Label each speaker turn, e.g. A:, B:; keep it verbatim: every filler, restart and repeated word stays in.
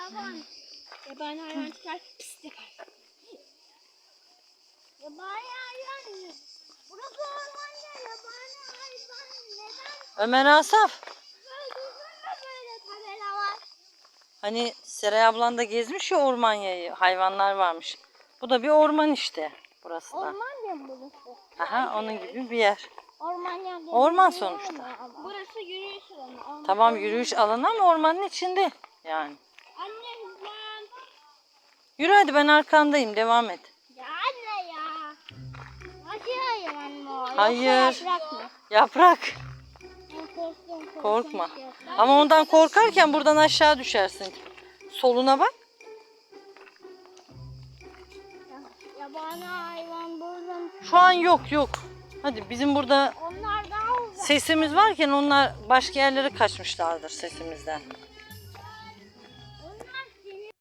A: hayvanlar falan. Yabani hayvan çıkar, pis yapar. Yabani hayvan. Burası ormanda yabani hayvan neden?
B: Ömer Asaf.
A: Böyle böyle tabela var.
B: Hani Seray ablan da gezmiş ya ormanyayı. Hayvanlar varmış. Bu da bir orman işte. Burası da.
A: Orman ya mı burası?
B: Aha, onun gibi bir yer.
A: Orman ya.
B: Orman sonuçta.
A: Burası yürüyüş alanı.
B: Tamam, yürüyüş alanı ama ormanın içinde yani.
A: Anne hızlan.
B: Yürü hadi, ben arkandayım, devam et.
A: Ya anne ya. Acı hayvan mı o?
B: Hayır.
A: Yoksa yaprak mı?
B: Yaprak.
A: Ben korktum, korktum.
B: Korkma. Ama ondan korkarken buradan aşağı düşersin. Soluna bak.
A: Yabani hayvan buradan.
B: Şu an yok yok. Hadi, bizim burada
A: Onlar daha uzak.
B: sesimiz varken onlar başka yerlere kaçmışlardır sesimizden.